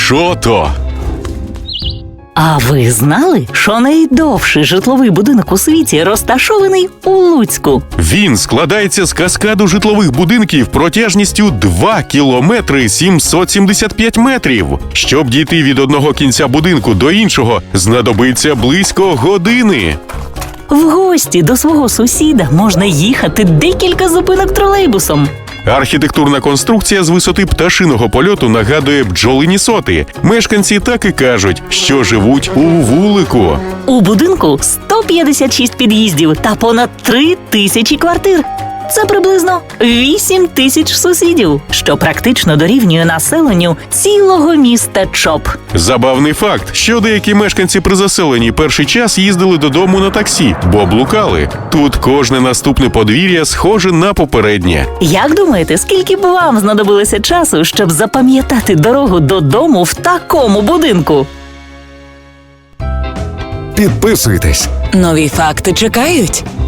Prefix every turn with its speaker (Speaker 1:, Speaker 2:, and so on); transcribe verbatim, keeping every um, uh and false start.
Speaker 1: Що то?
Speaker 2: А ви знали, що найдовший житловий будинок у світі розташований у Луцьку?
Speaker 1: Він складається з каскаду житлових будинків протяжністю два кілометри сімсот сімдесят п'ять метрів. Щоб дійти від одного кінця будинку до іншого, знадобиться близько години.
Speaker 2: В гості до свого сусіда можна їхати декілька зупинок тролейбусом.
Speaker 1: Архітектурна конструкція з висоти пташиного польоту нагадує бджолині соти. Мешканці так і кажуть, що живуть у вулику.
Speaker 2: У будинку сто п'ятдесят шість під'їздів та понад три тисячі квартир. Це приблизно вісім тисяч сусідів, що практично дорівнює населенню цілого міста Чоп.
Speaker 1: Забавний факт, що деякі мешканці при заселенні перший час їздили додому на таксі, бо блукали. Тут кожне наступне подвір'я схоже на попереднє.
Speaker 2: Як думаєте, скільки б вам знадобилося часу, щоб запам'ятати дорогу додому в такому будинку?
Speaker 3: Підписуйтесь.
Speaker 4: Нові факти чекають.